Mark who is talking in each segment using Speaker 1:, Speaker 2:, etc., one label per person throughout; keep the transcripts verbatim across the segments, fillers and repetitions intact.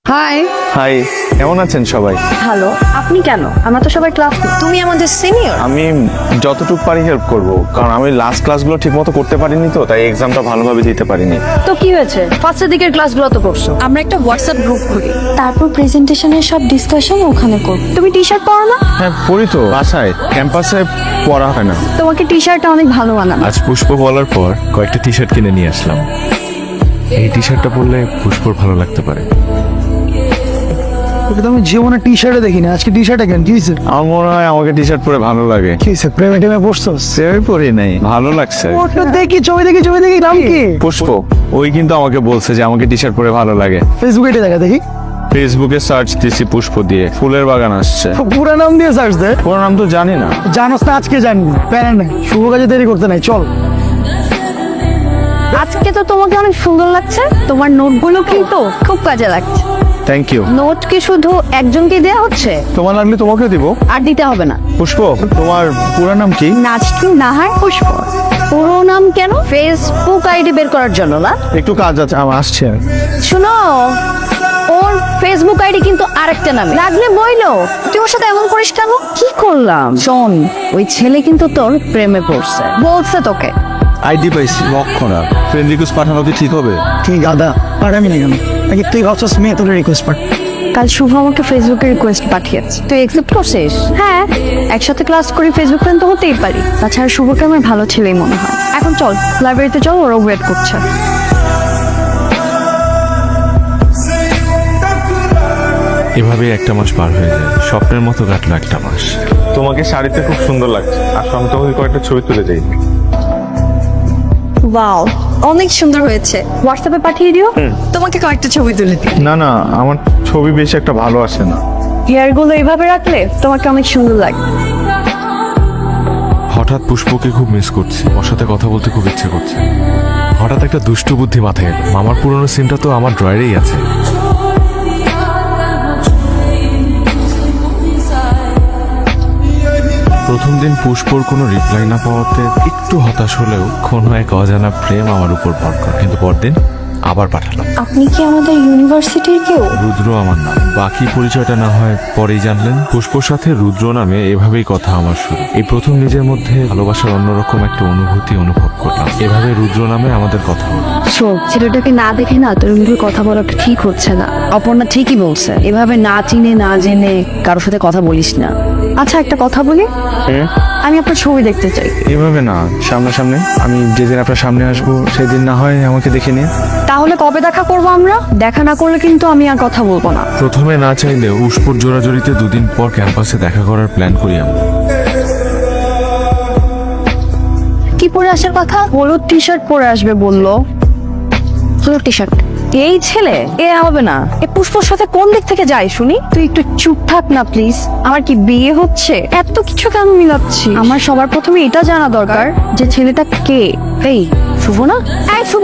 Speaker 1: High.
Speaker 2: High, কেমন আছেন সবাই?
Speaker 1: হ্যালো, আপনি কেন? আমরা তো সবাই ক্লাস, তুমি আমাদের সিনিয়র।
Speaker 2: আমি যতটুকু পারি হেল্প করব, কারণ আমি লাস্ট ক্লাসগুলো ঠিকমতো করতে পারিনি, তো তাই এক্সামটা ভালোভাবে দিতে পারিনি।
Speaker 1: তো কি হয়েছে? ফার্স্টের দিকের ক্লাসগুলো তো করছো। আমরা একটা হোয়াটসঅ্যাপ গ্রুপ খুলি,
Speaker 3: তারপর প্রেজেন্টেশনের সব ডিসকাশন ওখানে করব।
Speaker 1: তুমি টি শার্ট পরো না?
Speaker 2: হ্যাঁ পড়ি তো, বাসায় ক্যাম্পাসে পড়া হয় না।
Speaker 1: তোমাকে টি শার্টটা অনেক ভালো মানাবে।
Speaker 4: আজ পুষ্প বলার পর কয়েকটা টি শার্ট কিনে নিয়ে আসলাম। এই টি শার্টটা পরলে পুষ্পর ভালো লাগতে পারে।
Speaker 5: ওকে তো আমি জীবনে টি শার্টে দেখিনি, আজকে টি শার্টে কেন? কি হয়েছে?
Speaker 2: আমার মনে হয় আমাকে টি শার্ট পরে ভালো লাগে।
Speaker 5: কি হয়েছে? প্রেমে টেমে পড়ছো?
Speaker 2: সেভাবে পরি নাই, ভালো লাগছে।
Speaker 5: ওটা দেখি, ছবি দেখি, ছবি দেখি, নাম কি?
Speaker 2: পুষ্প, ওই কিন্তু আমাকে বলছে যে আমাকে টি শার্ট পরে ভালো লাগে।
Speaker 5: ফেসবুকে এটা দেখা দেখি।
Speaker 2: ফেসবুকে সার্চ দিছি পুষ্প দিয়ে, ফুলের বাগান আসছে।
Speaker 5: পুরো নাম দিয়ে সার্চ দে।
Speaker 2: পুরো নাম তো জানি না।
Speaker 5: জানোস না, আজকে জানবি। প্যারা নাই, শুভ কাজে দেরি করতে নাই, চল।
Speaker 1: আজকে তো তোমাকে অনেক সুন্দর লাগছে। তোমার নোটগুলো কিন্তু খুব কাজে লাগছে।
Speaker 2: Thank you.
Speaker 1: নোট কি শুধু একজনকে দেওয়া হচ্ছে?
Speaker 2: তোমার লাগলে তোমাকে দিব।
Speaker 1: আর দিতে হবে না।
Speaker 2: পুষ্প, তোমার পুরো নাম কি?
Speaker 1: নাচকি নাহার পুষ্প। পুরো নাম কেন? ফেসবুক আইডি বের করার জন্য না?
Speaker 2: একটু কাজ আছে, আমার আসছে।
Speaker 1: শুনো, ওর ফেসবুক আইডি কিন্তু আরেকটা নামে। লাগলে বইলো, তুই ওর সাথে এমন করিস কেন? কি করলাম? শোন, ওই ছেলে কিন্তু তোর প্রেমে পড়ছে, বলছে তোকে।
Speaker 2: আইডি পাইছি, লক্ষণ আর ফ্রেন্ড রিকোয়েস্ট পাঠানো কি ঠিক হবে?
Speaker 5: তুই গাদা, পাঠাবি না কেন? নাকি তুই ভাবছস মেয়ে তোর রিকোয়েস্ট পাঠ?
Speaker 1: কাল শুভ আমাকে ফেসবুকে রিকোয়েস্ট পাঠিয়েছে, তুই একসেপ্ট করছিস? হ্যাঁ, একসাথে ক্লাস করি, ফেসবুক ফ্রেন্ড তো হতেই পারি। তাছাড়া শুভকে আমার ভালো ছেলেই মনে হয়। এখন চল লাইব্রেরিতে চল, ওরা ওয়েট করছে।
Speaker 4: এভাবে একটা মাস পার হয়ে যায়, স্বপ্নের মতো কাটলো একটা মাস।
Speaker 2: তোমাকে শাড়িতে খুব সুন্দর লাগছে, আর আমি তোমাকে কয়েকটা ছবি তুলে যাই।
Speaker 1: ওয়াও, অনেক সুন্দর হয়েছে। হোয়াটসঅ্যাপে পাঠিয়ে দিও, তোমাকে কয়েকটা ছবি তুলে দিই।
Speaker 2: না না, আমার ছবি বেশি একটা ভালো আসে না।
Speaker 1: হেয়ারগুলো এইভাবে রাখলে তোমাকে অনেক সুন্দর লাগবে।
Speaker 4: হঠাৎ পুষ্পকে খুব মিস করছি, ওর সাথে কথা বলতে খুব ইচ্ছে করছে। হঠাৎ একটা দুষ্ট বুদ্ধি মাথায় এলো, মামার পুরনো সিনটা তো আমার ড্রয়ারেই আছে। প্রথম দিন পুষ্পর কোনো রিপ্লাই না পাওয়াতে একটু হতাশ হলেও কোনো এক অজানা প্রেম আমার উপর ভর করে। কিন্তু পরদিন আবার পাঠালাম।
Speaker 3: আপনি কি আমাদের ইউনিভার্সিটির কেউ?
Speaker 4: রুদ্র আমার নাম, বাকি পরিচয়টা না হয় পরেই জানলেন। পুষ্পর সাথে রুদ্র নামে এভাবেই কথা আমার শুরু। এই প্রথম নিজের মধ্যে ভালোবাসার অন্যরকম একটা অনুভূতি অনুভব করলাম। এভাবে রুদ্র নামে আমাদের কথা হলো।
Speaker 1: শোক, ছেলেটাকে না দেখে না তোর মুখে কথা বলাটা ঠিক হচ্ছে না। অপর্ণা ঠিকই বলছে, এভাবে না চিনে না জেনে কারোর সাথে কথা বলিস না। আচ্ছা, একটা কথা বলি, আমি আপনার ছবি দেখতে চাই।
Speaker 2: এইভাবে না, সামনাসামনি। আমি যেদিন আপনার সামনে আসবো সেদিন না হয় আমাকে দেখে নিয়ে।
Speaker 1: তাহলে কবে দেখা করবো আমরা? দেখা না করলে কিন্তু আমি আর কথা বলবো না।
Speaker 4: প্রথমে না চাইলেও পুষ্পর জোড়াজড়িতে দুদিন পর ক্যাম্পাসে দেখা করার প্ল্যান করি আমরা।
Speaker 1: কি পরে আসার কথা? হলুদ টি শার্ট পরে আসবে বললো। হলুদ টি শার্ট? এই ছেলে এ হবে না। এ পুষ্পর সাথে কোন দিক থেকে যায় শুনি? তুই একটু চুপ থাক না প্লিজ। আমার কি বিয়ে হচ্ছে? এত কিছু কেন মিলাচ্ছি? আমার সবার প্রথমে এটা জানা দরকার যে ছেলেটা কে। এই শুভ না? এই শুভ,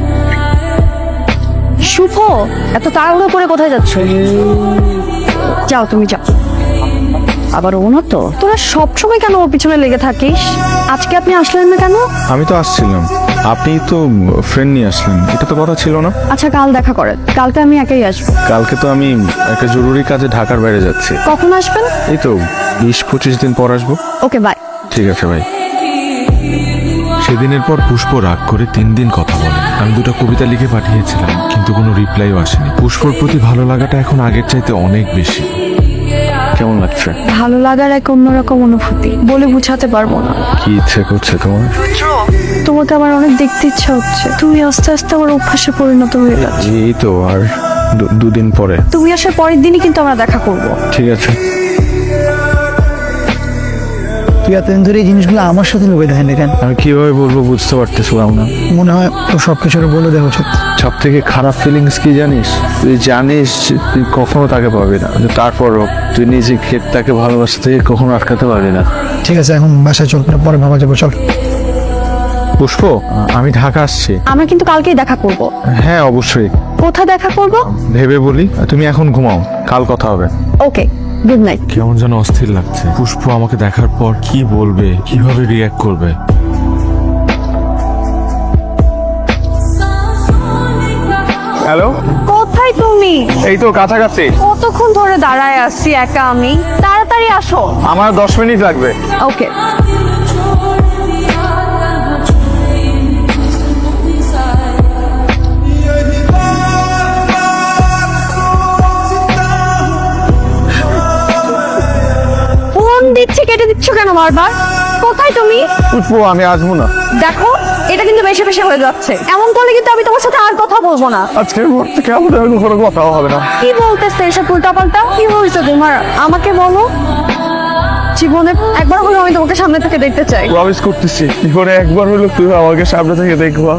Speaker 1: শুভ, এত তাড়াহুড়ো করে কোথায় যাচ্ছ? যাও, তুমি যাও। আবার ও না তো, তোরা সবসময় কেন ওর পিছনে লেগে থাকিস? আজকে আপনি আসলেন না কেন?
Speaker 2: আমি তো আসছিলাম, আপনি তো ফ্রেন্ড নিয়ে আসলেন, এটা তো কথা ছিল না।
Speaker 1: আচ্ছা, কাল দেখা করেন। কালকে আমি একাই আসবো।
Speaker 2: কালকে তো আমি একটা জরুরি কাজে ঢাকার বাইরে যাচ্ছি।
Speaker 1: কখন আসবেন?
Speaker 2: এই তো বিশ পঁচিশ দিন পর আসবো।
Speaker 1: Okay, bye.
Speaker 2: ঠিক আছে ভাই।
Speaker 4: সেদিনের পর পুষ্প রাগ করে তিন দিন কথা বলে। আমি দুটো কবিতা লিখে পাঠিয়েছিলাম, কিন্তু কোনো রিপ্লাইও আসেনি। পুষ্পর প্রতি ভালো লাগাটা এখন আগের চাইতে অনেক বেশি।
Speaker 2: কেমন লাগছে?
Speaker 1: ভালো লাগার এক অন্যরকম অনুভূতি, বলে বুঝাতে পারবো না।
Speaker 2: কি ইচ্ছে করছে তোমার?
Speaker 1: তোমাকে আমার অনেক দেখতে ইচ্ছা হচ্ছে। তুমি আস্তে আস্তে আমার অভ্যাসে পরিণত হয়ে যাচ্ছে।
Speaker 2: এই তো আর দু- দুদিন পরে।
Speaker 1: তুমি আসার পরের দিনই কিন্তু আমরা দেখা করব।
Speaker 2: ঠিক আছে।
Speaker 5: তুই এতদিন ধরে এই জিনিসগুলো আমার সাথে লুকিয়ে দেখেন কেন?
Speaker 2: আমি কিভাবে বলবো বুঝতে পারতেছিলাম না।
Speaker 5: মনে হয় তো সব কিছু বলে দেওয়া উচিত।
Speaker 2: সব থেকে খারাপ ফিলিংস কি জানিস? তুই জানিস যে তুই কখনো তাকে পাবি না, কিন্তু তারপরও তুই নিজে ক্ষেত তাকে ভালোবাসা থেকে কখনো আটকাতে পারবি না।
Speaker 5: ঠিক আছে, এখন বাসায় চল, পরে ভাবা যাবো, চল।
Speaker 2: পুষ্প, আমি ঢাকা আসছি।
Speaker 1: আমরা কিন্তু কালকেই দেখা করব।
Speaker 2: হ্যাঁ অবশ্যই।
Speaker 1: কোথায় দেখা করব?
Speaker 2: ভেবে বলি, তুমি এখন ঘুমাও, কাল কথা হবে।
Speaker 1: Okay, good night.
Speaker 4: কেমন যেন অস্থির লাগছে। পুষ্প আমাকে দেখার পর কি বলবে, কিভাবে রিয়াক্ট করবে।
Speaker 2: হ্যালো,
Speaker 1: কোথায় কোথায় তুমি?
Speaker 2: এই তো কাছাকাছি।
Speaker 1: কতক্ষণ ধরে দাঁড়ায় আসছি একা আমি, তাড়াতাড়ি আসো।
Speaker 2: আমার দশ মিনিট লাগবে।
Speaker 1: ওকে। ফোন দিচ্ছি, কেটে দিচ্ছ কেন বারবার? কোথায় তুমি?
Speaker 2: পুষ্প আমি আসবো না।
Speaker 1: দেখো, এটা কিন্তু বেশি বেশি হয়ে যাচ্ছে। এমন করলে কিন্তু আমি তোমার সাথে আর কথা বলবো না।
Speaker 2: আজকের পর থেকে আমাদের আর কোনো কথাও হবে না।
Speaker 1: কি বলতেছে এসব উল্টাপাল্টা? কি হয়েছে তোমার? আমাকে বলো। জীবনে একবার হলেও আমি তোমাকে সামনে থেকে দেখতে চাই।
Speaker 2: প্রমিস করতেছি, জীবনে একবার হলো তুই আমাকে সামনে থেকে দেখবা।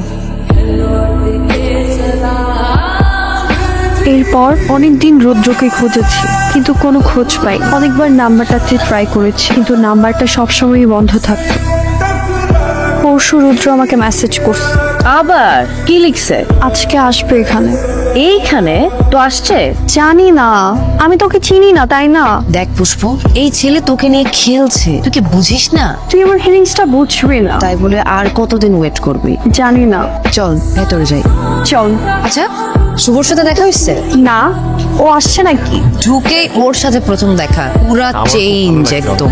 Speaker 3: এরপর অনেকদিন রৌদ্রকে খুঁজেছি, কিন্তু কোনো খোঁজ পাই। অনেকবার নাম্বারটাতে ট্রাই করেছি, কিন্তু নাম্বারটা সবসময়ই বন্ধ থাকতো। পরশু রুদ্র আমাকে মেসেজ করছে,
Speaker 1: আবার কি লিখছে?
Speaker 3: আজকে আসবে এখানে।
Speaker 1: এইখানে তো আসছে।
Speaker 3: জানি না, আমি তোকে চিনি না, তাই না?
Speaker 6: দেখ পুষ্প, এই ছেলে তোকে নিয়ে খেলছে, তুই কি বুঝিস না?
Speaker 3: তুই আমার ফিলিংসটা বুঝবি না।
Speaker 6: তাই বলে আর কতদিন ওয়েট করবি?
Speaker 3: জানি না,
Speaker 6: চল ভেতরে যাই।
Speaker 3: চল।
Speaker 6: আচ্ছা, শুভর সাথে দেখা হয়েছে?
Speaker 3: না, ও আসছে নাকি?
Speaker 6: ঢুকে ওর সাথে প্রথম দেখা, পুরা চেঞ্জ একদম।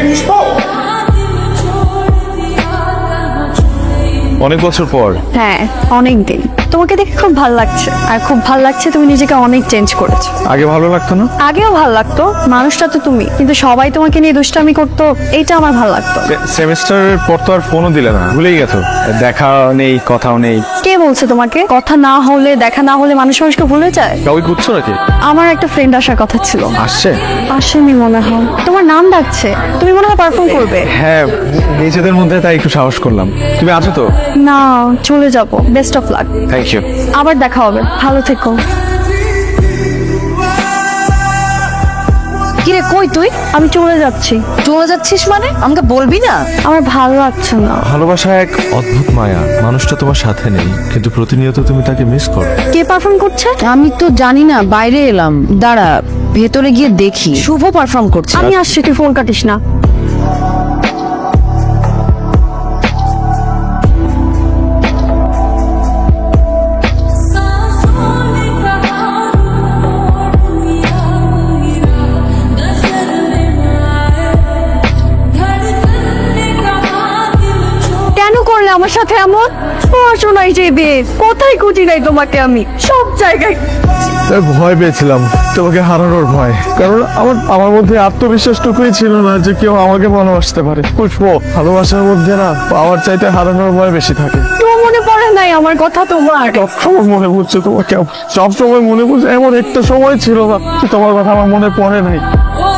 Speaker 2: অনেক বছর পর।
Speaker 3: হ্যাঁ, অনেক দিন। তোমাকে দেখে খুব ভালো লাগছে, আর খুব ভালো লাগছে তুমি নিজেকে অনেক চেঞ্জ করেছো।
Speaker 2: আগে ভালো লাগতো না?
Speaker 3: আগেও ভালো লাগতো, মানুষটা তো তুমি, কিন্তু সবাই তোমাকে নিয়ে দুষ্টামি করতো, এইটা আমার ভালো লাগতো।
Speaker 2: সেমিস্টারের পর তো আর ফোনও দিলে না, ভুলেই গেছো। দেখা নেই, কথাও নেই।
Speaker 3: কে বলছে তোমাকে? কথা না হলে, দেখা না হলে মানুষ মানুষকে ভুলে যায়?
Speaker 2: কাউকে খুঁজছো নাকি?
Speaker 3: আমার একটা ফ্রেন্ড আসার কথা ছিল,
Speaker 2: আসছে?
Speaker 3: আসেনি মনে হয়। তোমার নাম ডাকছে, তুমি মনে হয় পারফর্ম করবে।
Speaker 2: হ্যাঁ, নিজেদের মধ্যে তাই একটু সাহস করলাম। তুমি আছো তো?
Speaker 3: না, চলে যাব। Best of luck.
Speaker 2: Thank you.
Speaker 3: আবার দেখা হবে, ভালো থেকো।
Speaker 6: কিরে কই তুই?
Speaker 3: আমি চলে যাচ্ছি।
Speaker 6: চলে যাচ্ছিস মানে? আমাকে বলবি না?
Speaker 3: আমার ভালো লাগছে না।
Speaker 4: ভালোবাসা এক অদ্ভুত মায়া। মানুষটা তোমার সাথে নেই, কিন্তু প্রতিনিয়ত তুমি তাকে মিস করো।
Speaker 3: কে পারফর্ম করছে?
Speaker 6: আমি তো জানি না, বাইরে এলাম। দাঁড়া, ভেতরে গিয়ে দেখি। শুভ পারফর্ম করছে।
Speaker 3: আমি আসছি, তুই ফোন কাটিস না। কেন করলে আমার সাথে এমন? পড়াশোনায় যাবে, কোথায় খুঁজি নাই তোমাকে আমি, সব জায়গায়।
Speaker 2: তাই ভয় পেয়েছিলাম, তোমাকে হারানোর ভয়। কারণ আমার আমার মধ্যে আত্মবিশ্বাসটুকুই ছিল না যে কেউ আমাকে ভালোবাসতে পারে। পুষ্প, ভালোবাসার মধ্যে না পাওয়ার চাইতে হারানোর ভয় বেশি থাকে।
Speaker 3: তো মনে পড়ে নাই আমার কথা তোমার?
Speaker 2: সবসময় মনে পড়ছে তোমাকে, সবসময় মনে পড়ছে। এমন একটা সময় ছিল না যে তোমার কথা আমার মনে পড়ে নাই।